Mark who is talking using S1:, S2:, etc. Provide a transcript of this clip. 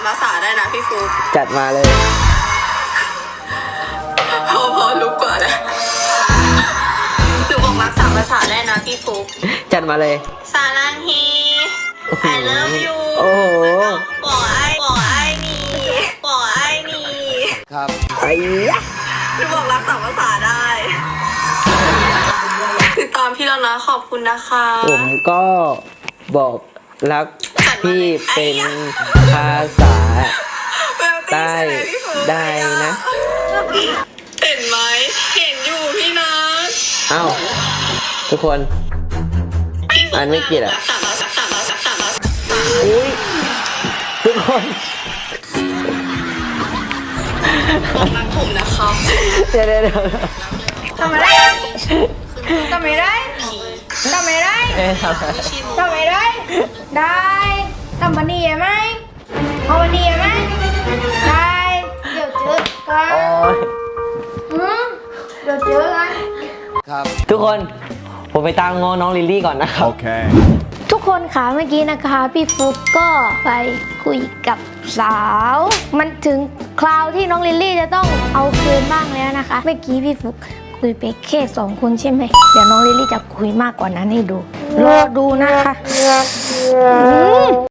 S1: ภาษาได้นะพี่ฟุก
S2: จัดมาเลย
S1: พอลุกกว่านะหนูบอกรัก3 ภาษาได้นะพี่ฟุก
S2: จัดมาเลย
S1: ซาลังฮี I love you
S2: โอ้โห
S1: บอกไอ้นี่
S2: ครับไอ้
S1: หนูบอกรัก3 ภาษาได้ติดตามพี่แล้วนะขอบคุณนะคะ
S2: ผมก็บอกรักพี่เป็นภาษาใต้ได้นะ
S1: เห็นไหมเห็นอยู่พี่นะ
S2: อ้าวทุกคนอันไม่กินอ่ะอุ้ยทุกคน
S1: บอกรักผมนะครับ
S2: เดี๋ยว
S1: ทำไมได้ทำไมได้ทำไมได้ทำไมได้ได้ทำวันนี้ไหมเอาวันนี้ไหมได้เดี๋ยวเจอกันเดี๋ยวเจอกัน
S2: ครับทุกคนผมไปตามง้อน้องลิลลี่ก่อนนะครับโอเค
S3: ทุกคนค่ะเมื่อกี้นะคะพี่ฟุกก็ไปคุยกับสาวมันถึงคราวที่น้องลิลลี่จะต้องเอาคืนบ้างแล้วนะคะเมื่อกี้พี่ฟุกคุยไปแค่2 คนใช่ไหมเดี๋ยวน้องลิลลี่จะคุยมากกว่านั้นให้ดูรอดูนะคะ